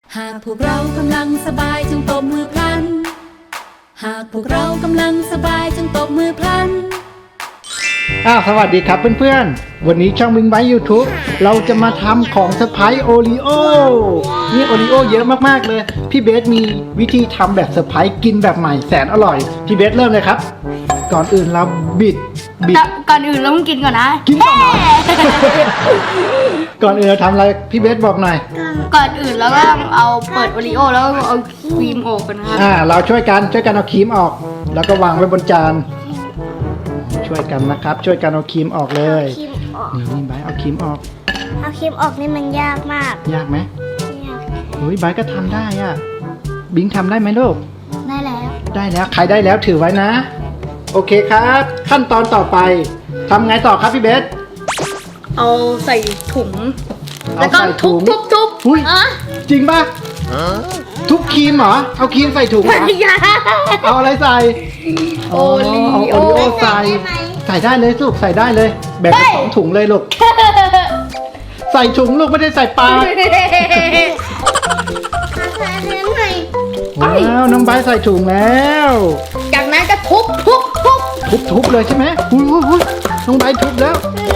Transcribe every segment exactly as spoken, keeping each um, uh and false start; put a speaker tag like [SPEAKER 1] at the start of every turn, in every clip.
[SPEAKER 1] หากพวกเรากำลังสบายจงตบมือพลันหากพวกเรากำลังสบายจงตบมือพลัน
[SPEAKER 2] อ้าวสวัสดีครับเพื่อนๆวันนี้ช่องวิงไบยูทูบเราจะมาทำของเซอร์ไพรส์โอรีโอนี่โอรีโอเยอะมากๆเลยพี่เบสมีวิธีทำแบบเซอร์ไพรส์กินแบบใหม่แสนอร่อยพี่เบสเริ่มเลยครับก่อนอื่นเราบิดบิด
[SPEAKER 3] ก่อนอื่นเราต้องกินก่อนนะ
[SPEAKER 2] กินก่อนนะ ก่อนอื่นเราทำอะไรพี่เบสบอกหน่อย
[SPEAKER 3] ก่อนอื่นเราก็ต้องเอาเปิดโอรีโอแล้วเอาครีมออกกันนะครับ
[SPEAKER 2] อ่าเราช่วยกันช่วยกันเอาครีมออกแล้วก็วางไว้บนจานช่วยกันนะครับช่วยกันเอาครีมออกเลยนี่นี่ไบร์ทเอาครีมออก
[SPEAKER 4] เอาครีมออกนี่มันยากมาก
[SPEAKER 2] ยากไหม
[SPEAKER 4] ยาก
[SPEAKER 2] เฮ้ยไบร์ทก็ทำได้อ่ะบิงทำได้ไหมลูก
[SPEAKER 4] ได้แล้ว
[SPEAKER 2] ได้แล้วใครได้แล้วถือไว้นะโอเคครับขั้นตอนต่อไปทำไงต่อครับพี่เบส
[SPEAKER 3] เอาใส่ถุงแล้วก็ทุบทุบทุบ
[SPEAKER 2] อุ้ยจริงป่ะทุบครีมเหรอเอาครีมใส่ถุงเหรอเอาอะไรใส่
[SPEAKER 3] โอรีโอ
[SPEAKER 2] โอรีโอใส่ใส่ได้เลยลูกใส่ได้เลยแบ่งเป็นสองถุงเลยลูกใส่ถุงลูกไม่ได้ใส่ปากว้าวน้องไบร์ทใส่ถุงแล้ว
[SPEAKER 3] จากนั้นก็ทุบทุบทุบ
[SPEAKER 2] ทุบทุบเลยใช่ไหมอุ้ยอุ้ยน้องไบร์ททุบแล้ว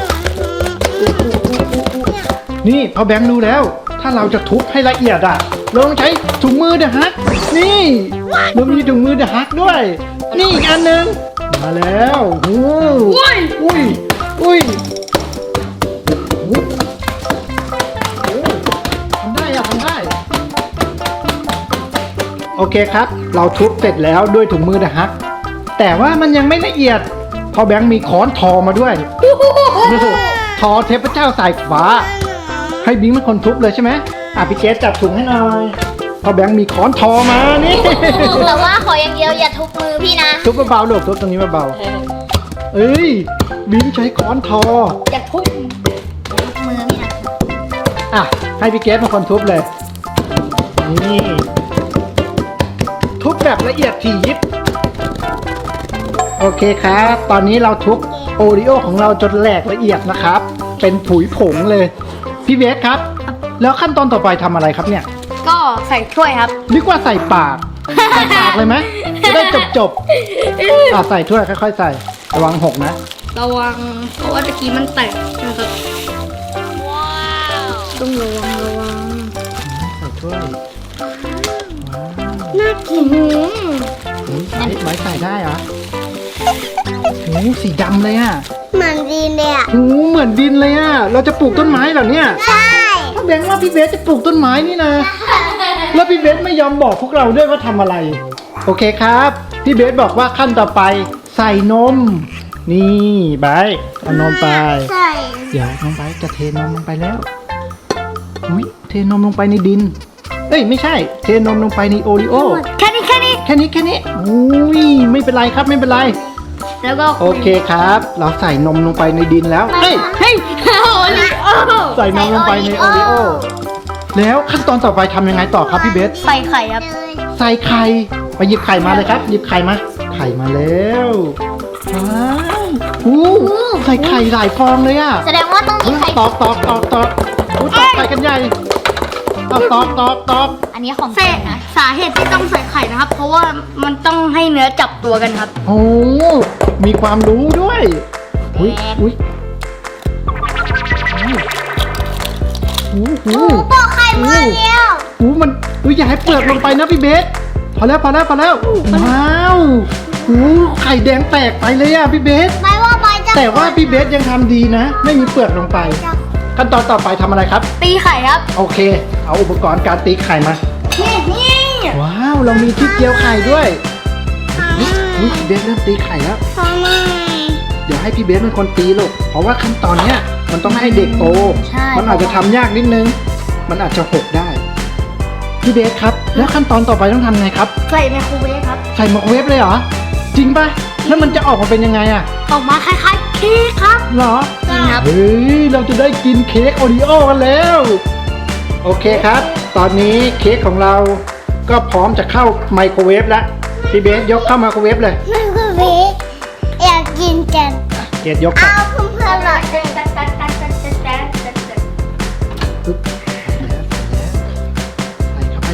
[SPEAKER 2] นี่พอแบงค์รู้แล้วถ้าเราจะทุบให้ละเอียดอ่ะเราต้องใช้ถุงมือเดอะฮักนี่เรามีถุงมือเดอะฮักด้วยนี่อีกอันหนึ่งมาแล้วโอ้อุ้ยอุ้ยอุ้ยทำได้อะทำได้โอเคครับเราทุบเสร็จแล้วด้วยถุงมือเดอะฮักแต่ว่ามันยังไม่ละเอียดพอแบงค์มีค้อนทอมาด้วยทอเทพเจ้าสายฟ้าให้บิงเป็นคนทุบเลยใช่ไหมอ่ะพี่เกสจับถุงให้หน่อยพอแบงค์มีค้อนทอมานี่
[SPEAKER 4] แต่ว่าขออย่างเดียวอย่าทุบมือพี่นะ
[SPEAKER 2] ทุบเบาๆลูกทุบตรงนี้เบาๆเอ้ยบิงใช้ค้อนทอ
[SPEAKER 3] อย่าทุบ
[SPEAKER 4] มือพี่นะ
[SPEAKER 2] อ่ะให้พี่เกสเป็นคนทุบเลยนี่ทุบแบบละเอียดถี่ยิบโอเคครับตอนนี้เราทุบโอรีโอของเราจนแหลกละเอียดนะครับเป็นผุยผงเลยพี่เบสครับแล้วขั้นตอนต่อไปทำอะไรครับเนี่ย
[SPEAKER 3] ก็ใส่ถ้วยครับ
[SPEAKER 2] นึกว่าใส่ปากใส่ปากเลยไหมจะได้จบจบอ่ะใส่ถ้วยค่อยๆใส่ระวังหกนะ
[SPEAKER 3] ระวังเพราะว่าตะกี้มันแตกนะครับว้าวต้องระวังระวัง
[SPEAKER 2] ใส่ถ้วย
[SPEAKER 4] น่ากิน
[SPEAKER 2] ไม้ไม้ใส่ได้เหรอโอ้สีดำเลยอ่ะ
[SPEAKER 4] เหมือนดินเลยอ่ะ
[SPEAKER 2] โอ้เหมือนดินเลยอ่ะเราจะปลูกต้นไม้เหรอเนี่ย
[SPEAKER 4] ใช่
[SPEAKER 2] ถ้าแบงค์ว่าพี่เบสจะปลูกต้นไม้นี่นะแล้วพี่เบสไม่ยอมบอกพวกเราด้วยว่าทำอะไรโอเคครับพี่เบสบอกว่าขั้นต่อไปใส่นมนี่ไบร์ทเอานมไป
[SPEAKER 4] ใส่
[SPEAKER 2] เดี๋ยวน้องไบร์ทจะเทนมลงไปแล้วอุ้ยเทนมลงไปในดินเอ้ยไม่ใช่เทนมลงไปในโอรีโอ
[SPEAKER 3] แค่นี้แค่นี้
[SPEAKER 2] แค่นี้แค่นี้อุ้ยไม่เป็นไรครับไม่เป็นไร
[SPEAKER 3] แล้วก็
[SPEAKER 2] โอเคครับเราใส่นมลงไปในดินแล้วเฮ้ย
[SPEAKER 3] เฮ้ยโอรีโอ
[SPEAKER 2] ใส่นมลงไปในโอรีโอแล้วขั้นตอนต่อไปทำยังไงต่อครับพี่เบส
[SPEAKER 3] ใส่ไข่ครับ
[SPEAKER 2] ใส่ไข่ไปหยิบไข่มาเลยครับหยิบไข่มาไข่มาแล้วว้าวอู้ใส่ไข่หลายฟองเลยอ่ะ
[SPEAKER 4] แสดงว่าต้องมีไข่
[SPEAKER 2] ตอกตอกตอกตอกอู้ตอกไข่กันใหญ่ตอกตอกตอกตอก
[SPEAKER 4] อันนี้ของ
[SPEAKER 3] แท้นะสาเหตุที่ต้องใส่ไข่นะครับเพราะว่ามันต้องให้เนื้อจับตัวกันครับ
[SPEAKER 2] โอ้มีความรู้ด้วยอุ้ยอุ้ยอู้หู
[SPEAKER 4] ปอกไข่มาแล้ว
[SPEAKER 2] อู้มันอุ้ยอย่าให้เปลือกลงไปนะพี่เบสพอแล้วพอแล้วพอแล้วว้าวอู้ไข่แดงแตกไปเลยอ่ะพี่เบส
[SPEAKER 4] ไม่ว่าไม่จะ
[SPEAKER 2] แต่ว่าพี่เบสยังทำดีนะไม่มีเปลือกลงไปขั้นตอนต่อไปทำอะไรครับ
[SPEAKER 3] ตีไข่ครับ
[SPEAKER 2] โอเคเอาอุปกรณ์การตีไข่มา
[SPEAKER 3] นี่นี่
[SPEAKER 2] ว้าวเรามีที่เจียวไข่ด้วยอุ๊ยพี่เบสเริ่มตีไข่แล้ว
[SPEAKER 4] ทำไม
[SPEAKER 2] เดี๋ยวให้พี่เบสเป็นคนตีลูกเพราะว่าขั้นตอนเนี้ยมันต้องให้เด็กโตมันอาจจะทำยากนิดนึงมันอาจจะหกได้พี่เบสครับแล้วขั้นตอนต่อไปต้องทำไงครับ
[SPEAKER 3] ใส่ไมโครเวฟครับ
[SPEAKER 2] ใส่ไมโครเวฟเลยเหรอจริงป่ะแล้วมันจะออกมาเป็นยังไงอะ
[SPEAKER 3] ออกมาคล้ายๆเค้กครับ
[SPEAKER 2] เหรอ
[SPEAKER 3] จริงครับ
[SPEAKER 2] เฮ้ยเราจะได้กินเค้กโอรีโอกันแล้วโอเคครับตอนนี้เค้กของเราก็พร้อมจะเข้าไมโครเวฟแล้วพี่เบสยกเข้าไมโครเวฟเลย
[SPEAKER 4] ไมโครเวฟอยากกินกัน
[SPEAKER 2] เกดยก
[SPEAKER 4] เอาเพื่อนๆหน่อย
[SPEAKER 2] ปึ๊บใส่เข้าไป